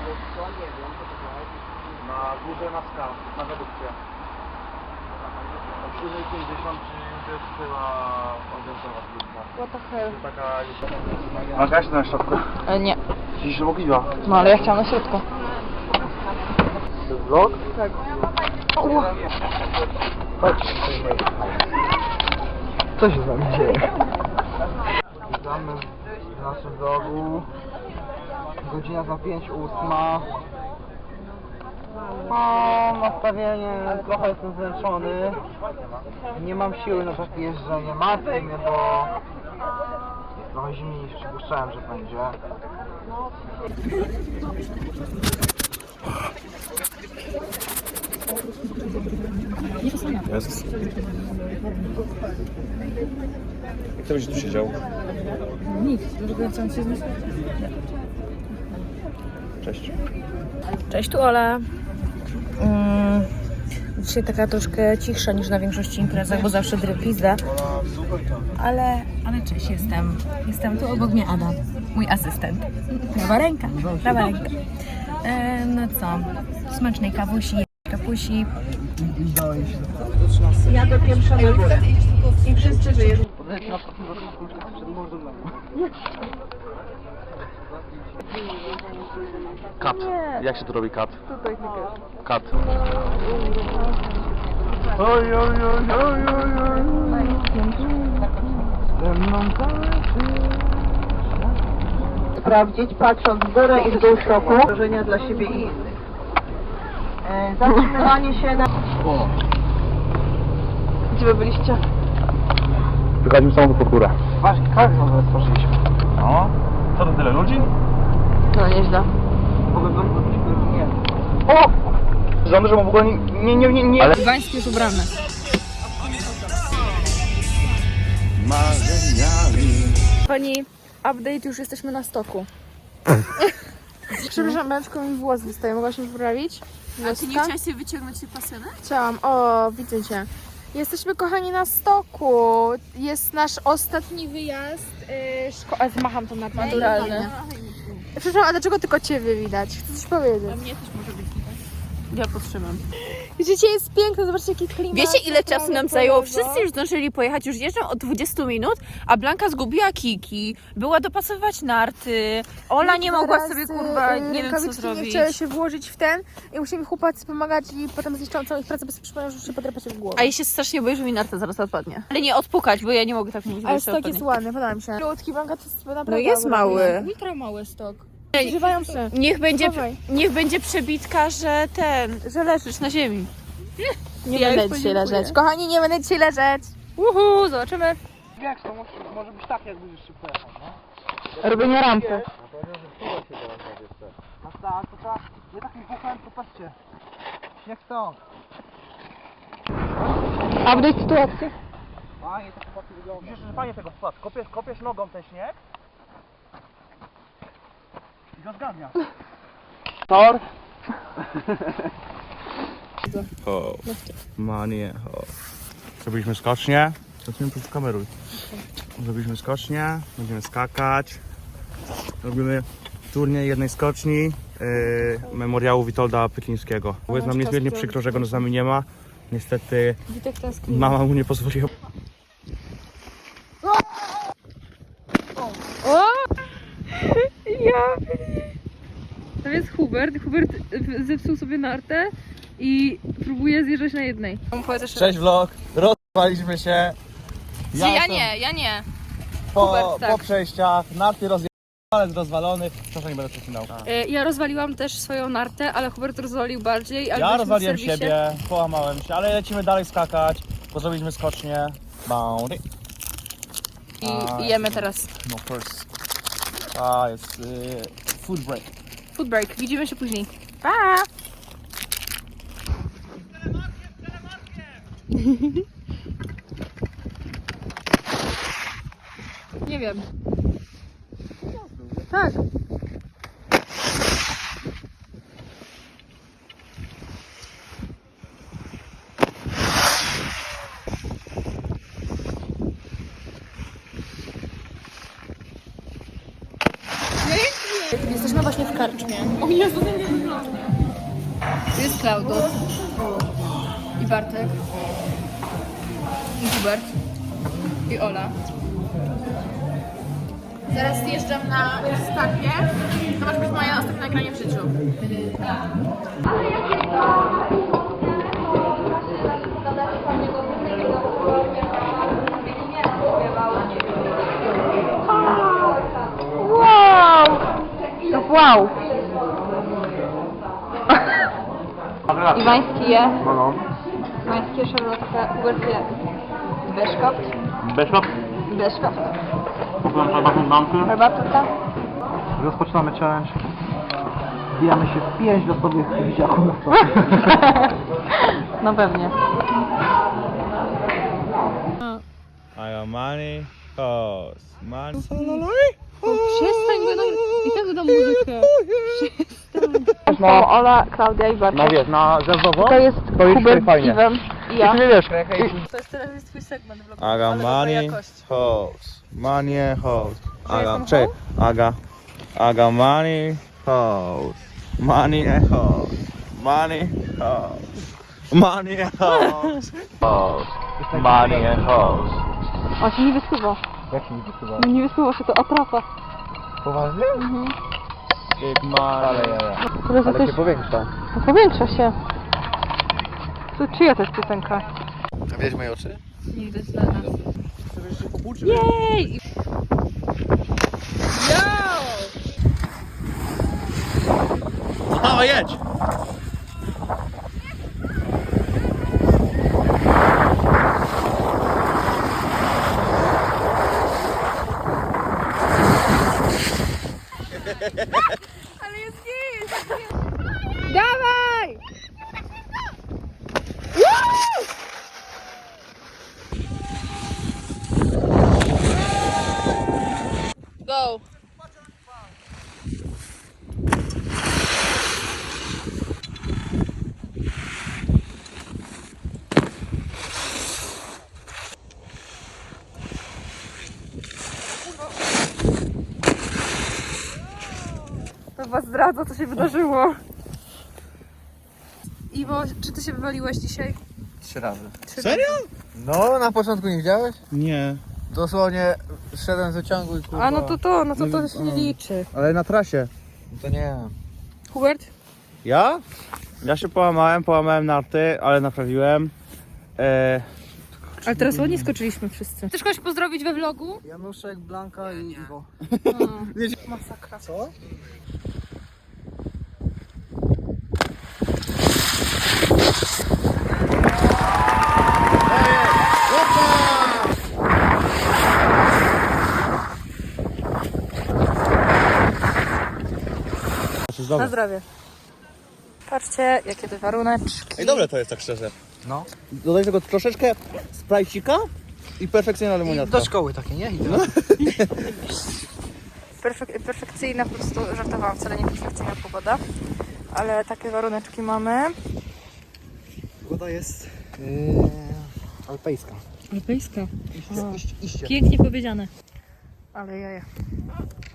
Na górze na skał, na redukcję. O 7:50 czy już była organizowana zbiórka. What the hell? Taka... Masz gaś na środku? Nie. Dziś mogła. No ale ja chciałam na środku. To jest vlog? Tak. Chodź. Co się z wami dzieje? Witamy w naszym vlogu. Godzina za 5:08. O, nastawienie, trochę jestem zmęczony. Nie mam siły na takie jeżdżenie. Martwi mnie, bo jest trochę zimniej niż przypuszczałem, że będzie. Jezus. Kto będzie tu siedział? Nikt, dlatego chciałam się znieść. Cześć. Cześć, tu Ola. Dzisiaj taka troszkę cichsza niż na większości imprezach, bo zawsze pizda. Ale cześć, jestem tu obok mnie Ada, mój asystent. Prawa ręka. No co, smacznej kawusi, kapusi. Ja do pierwsza na górę. I wszyscy wyjeżdżają. Kat. Jak się tu robi kat? Tutaj Kat. Oj, oj, oj, oj, oj, oj. Ze mną Sprawdzić, patrząc w górę i w dół szoku. Wrażenia dla siebie i zatrzymywanie się na... Gdzie wy byliście? Wychodzimy samochód pod górę. Właśnie, kartę zaraz stworzyliśmy. No. Co to tyle ludzi? No nieźle. Nie. O! Żony, że w ogóle nie... Ale... Gdańsk już ubrany. Pani, update, już jesteśmy na stoku. Przepraszam, Beczko, mi włos wystaje, mogłaś mi poprawić? A ty nie chciałaś sobie wyciągnąć się pasjonę? Chciałam, o, widzę cię. Jesteśmy, kochani, na stoku. Jest nasz ostatni wyjazd. Zmacham to naturalne. Przepraszam, a dlaczego tylko ciebie widać? Chcę coś powiedzieć. A mnie też może być widać. Ja potrzebam. Życie jest piękne, zobaczcie jaki klimat. Wiecie, ile czasu nam zajęło? kolego. Wszyscy już zdążyli pojechać, już jeżdżą od 20 minut, a Blanka zgubiła kiki, była dopasowywać narty, Ola nie mogła Teraz, sobie, kurwa, nie wiem co rękawiczki zrobić. nie chciały się włożyć w ten i musimy chłopacy pomagać i potem zniszczą całą ich pracę, bo sobie przypomniał, że już się podrapa się w głowę. A ja się strasznie boję, że mi narta zaraz odpadnie. Ale nie odpukać, bo ja nie mogę tak mówić, bo Ale jeszcze stok odpadnie. jest ładny, podoba mi się. Lutki, Blanka, to jest naprawdę No jest ogromny. mały. Ultra mały stok. Używają się. Schowaj. Niech będzie przebitka, że leżysz na ziemi. Nie Ja już będę dzisiaj podziękuję. leżeć. Kochani, nie będę dzisiaj leżeć. Zobaczymy. Jak to może być tak, jak będziesz szybko jechał, no? Robienie rampy. No tak, to trzeba... Nie takim buchem, to patrzcie. Jak stąd. Update sytuacji. Fajnie to chłopacy wygląda. Widzisz, że fajnie tego wpadł. Kopiesz nogą ten śnieg. I go zgarniasz. Tor. O, manie, o. Zrobiliśmy skocznie. Zacznijmy tu kameruj. Zrobiliśmy skocznie, będziemy skakać. Robimy turniej jednej skoczni memoriału Witolda Pytlińskiego. Bo jest nam niezmiernie przykro, że go z nami nie ma. Niestety Witek tęskni. mama mu nie pozwoliła. To jest Hubert. Hubert zepsuł sobie nartę i próbuje zjeżdżać na jednej. Cześć vlog. Rozpaliśmy się. Ja nie. Po, Hubert, tak. po przejściach. Narty palec rozwalony. Proszę, nie będę przecinał. Ja rozwaliłam też swoją nartę, ale Hubert rozwalił bardziej. Ale Ja byliśmy w rozwaliłem serwisie. siebie, połamałem się, ale lecimy dalej skakać. Bo zrobiliśmy skocznie. Bounty. I jemy teraz. No first. A jest food break. Food break. Widzimy się później. Pa! Nie wiem. Tak. Jesteśmy właśnie w karczmie. O Jezu, to nie wygląda. Tu jest Klaudot. I Bartek. I Hubert. I Ola. Zaraz zjeżdżam na stację. To może być moje ostatnie nagranie w życiu. Wow! Iwański je. No. Iwański je szarlotkę. Hubert je. Beszkopt. Beszkop? Beszkopt. Kupiłem herbatę bankę. Herbatka. Rozpoczynamy challenge. Wbijamy się w 5 losowych widziaków. No pewnie. I got money, house, money. Przestań go i tak dodam muzykę. No, Ola, Klaudia i Bartek. no wiesz, na zewnątrz To jest to jest Hubert, fajnie. Iwan i ja. I ty wiesz, To jest teraz twój segment vlogowy. I got money, house, money, house. I got money, house, money, house, money, house, money, house, house, money, house. On się nie wysuwa. jak się nie wysuwa? No nie wysuwa się, to atrapa. Poważnie? Big money. Ale Teraz się jesteś... powiększa. No powiększa się. To czyja to jest piosenka? A wiesz moje oczy? Nie widać dla nas. Jej! Dawaj, jedź! Dawaj! Go! To was zdradza, co się wydarzyło. Iwo, czy ty się wywaliłeś dzisiaj? 3 razy. Serio? No, na początku nie widziałeś? Nie. Dosłownie szedłem z wyciągu i kurwa... A no to się nie liczy. Ale na trasie. To nie. Hubert? Ja? Ja się połamałem narty, ale naprawiłem. Ale teraz ładnie skoczyliśmy wszyscy. Chcesz kogoś pozdrowić we vlogu? Januszek, Blanka i Iwo. Masakra. Co? Na zdrowie. Patrzcie, jakie te waruneczki. Ej, dobre to jest tak szczerze. No. Dodaj tego troszeczkę sprajcika i perfekcyjna lemoniatka. Do szkoły takie, nie? I No. Perfekcyjna, po prostu żartowałam, wcale nie perfekcyjna pogoda. Ale takie waruneczki mamy. Pogoda jest alpejska. Alpejska. Iście. Pięknie powiedziane. Ale jaja.